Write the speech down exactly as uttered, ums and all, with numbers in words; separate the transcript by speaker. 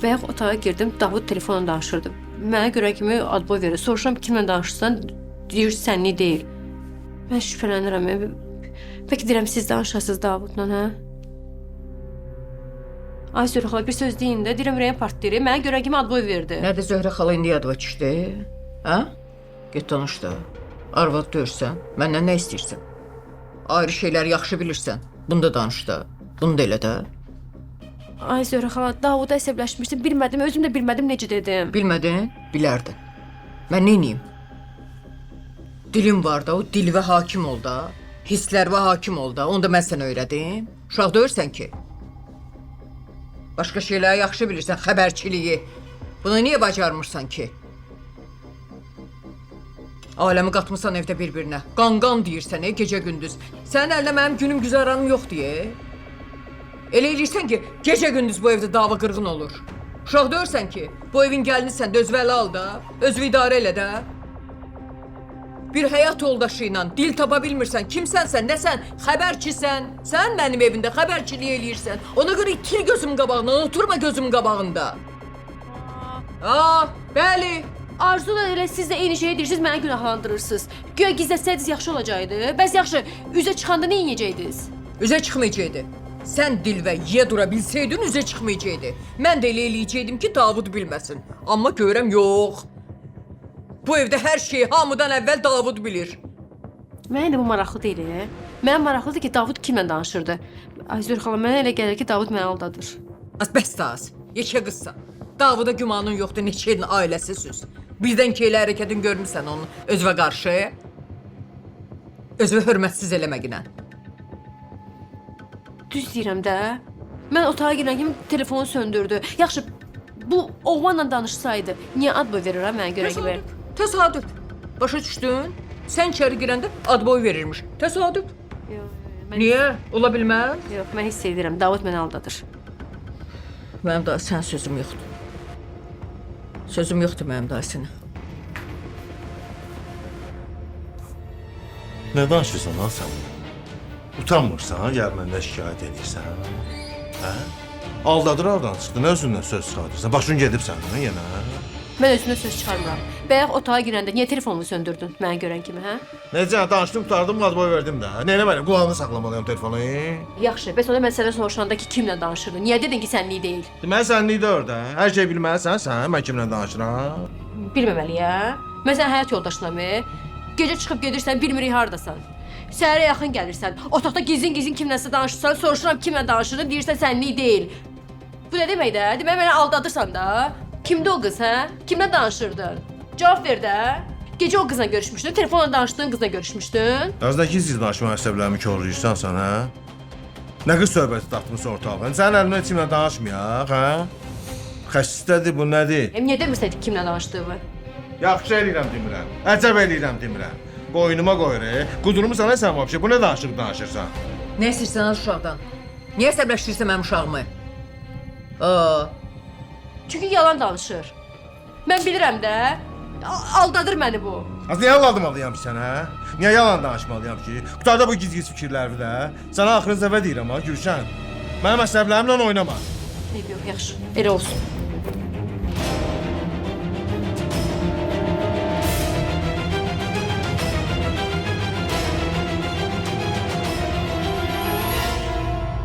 Speaker 1: Bayaq otağa girdim, Davud telefonla danışırdı. Mənə görə kimi adboy verir. Soruşuram kimlə danışırsan, deyir sənli deyil. Mən şübhələnirəm. Bəlkə deyirəm siz danışasınız Davudla, hə? Ay Zöhrə xala, bir söz deyin də, deyirəm ürəyim partlayır. Mənə görə kimi adboy verdi.
Speaker 2: Nədir Zöhrə xala indi yadıma düşdü? Hə? Get danış da. Arvad döyürsən, məndən nə istəyirsən? Ayrı şeylər yaxşı bilirsən. Bunu da danış da. Bunu da elə də.
Speaker 1: Ay Zöhrə xala, Davuda əsəbləşmişdim, bilmədim, özüm də bilmədim necə dedim.
Speaker 2: Bilmədin, bilərdin. Mən neyniyim? Dilim var da, o dilvə hakim ol da. Hisslərvə hakim ol da, onu da mən sənə öyrədim. Uşaq döyürsən ki. Başqa şeyləri yaxşı bilirsən, xəbərçiliyi. Bunu niyə bacarmırsan ki? Aləmi qatmısan evdə bir-birinə. Qan-qan deyirsən, ey, gecə-gündüz. Sənin əlində mənim günüm güzaranım yox deyə. Elə eləyirsən ki, gecə-gündüz bu evdə dava qırğın olur. Uşaq döyürsən ki, bu evin gəlinisən də özvəli al da, özvü idarə elə də. Bir həyat yoldaşı ilə dil tapa bilmirsən, kimsənsən, nəsən, xəbərçisən. Sən mənim evimdə xəbərçiliyi eləyirsən. Ona görə itil gözüm qabağında, oturma gözüm qabağında. Aa, bəli.
Speaker 1: Arzu da elə siz də eyni şeyi deyirsiniz, mənə günahlandırırsınız. Güya gizlətsəydiniz yaxşı olacaqdı. Bəs yaxşı, üzə çıxanda nə yiyəcəydiniz?
Speaker 2: Üzə çıxmayacaqdı. Sən dil və yiyə dura bilsəydin, üzə çıxmayacaqdı. Mən də elə eləyəcəkdim ki, Davud bilməsin. Amma görəm, yox. Bu evdə hər şeyi hamıdan əvvəl Davud bilir.
Speaker 1: Mənə də bu maraqlı deyil. Mənə maraqlıdır ki, Davud kimlə danışırdı. Ay Zöhrə xala, mənə elə gəlir ki, Davud məni aldadır.
Speaker 2: Az bəs də az. Yekə qızsan. Davuda gümanın yoxdur, neçə ilin ailəsi süz. Birdən ki, elə hərəkətin görmüsən onun özvə qarşı. Özvə hörmətsiz eləməginə.
Speaker 1: Düz deyirəm də. Mən otağa girən kimi telefonu söndürdü. Yaxşı, bu oğlanla danışsaydı, niyə adboy verir ha mənə görə kimi?
Speaker 2: Təsadüf. Başa düşdün? Sən içəri girəndə adboy verirmiş. Təsadüf.
Speaker 1: Yox, mən...
Speaker 2: Niyə? Ola bilməz?
Speaker 1: Yox, mən hiss edirəm. Davud məni aldadır.
Speaker 2: Mənim daha sən sözüm yoxdur. Sözüm yoxdur mənim daha sənə.
Speaker 3: Nə danışırsan lan sən? Utanmırsan, gəl məndə şikayət edirsən. Hə? Aldadır aradan çıxdı, nə özündən söz çıxartırsan? Başın gedib səndən yenə.
Speaker 1: Mən özümdən söz çıxarmıram. Bayaq otağa girəndə niyə telefonumu söndürdün mənə görən kimi, hə?
Speaker 3: Necə, danışdım, qutardım, adboy verdim də. Nə eləməliyim, qulağını saxlamalıyım telefonu.
Speaker 1: Yaxşı, bəs onda mən sənə soruşanda ki, kimlə danışırdın? Niyə dedin ki, sənlik deyil?
Speaker 3: Deməli, sənlik də orada. Hər şey bilməlisən sən, mən kimlə danışıram.
Speaker 1: Bilməməliyəm. Mən sənin həyat yoldaşınamı? Gecə çıxıb gedirsən, bilmirik hardasan. Səhərə yaxın gəlirsən, otaqda gizlin-gizlin kimləsə danışırsan, soruşuram kimlə danışırdın, deyirsən sənlik deyil. Bu nə demək də? Demək məni aldadırsan da? Kimdə o qız, hə? Kimlə danışırdın? Cavab ver də. Gecə o qızla görüşmüşdün, telefonla danışdığın qızla görüşmüşdün.
Speaker 3: Əzdəki siz danışma əsəblərimi korlayırsan sən, hə? Nə qız söhbəti dartmısan ortalığa? Sənin əlimlə kimlə danışmayaq, hə? Xəstədir bu, nədir?
Speaker 1: Em, niyə demirsən kimlə danışdığımı?
Speaker 3: Yaxşı eləyirəm demirəm, əcəb eləyirəm demirəm. Boynuma qoyur, e? Qudurumu sana sən vəbşə, bu nə danışıq danışırsan?
Speaker 2: Nə istəyirsən az uşaqdan? Niyə əsəbləşdirirsən mənim uşağımı? Aa,
Speaker 1: Çünki yalan danışır. Mən bilirəm də. A- Aldadır məni bu.
Speaker 3: Az niyə aldamalıyam ki sənə? Niyə yalan danışmalıyam ki? Qutarda bu giz-giz fikirləri də. Sənə axırıncı dəfə deyirəm ha, Gülşən. Mənim əsəblərimlə oynama.
Speaker 1: Eyb yox, yaxşı. Elə olsun.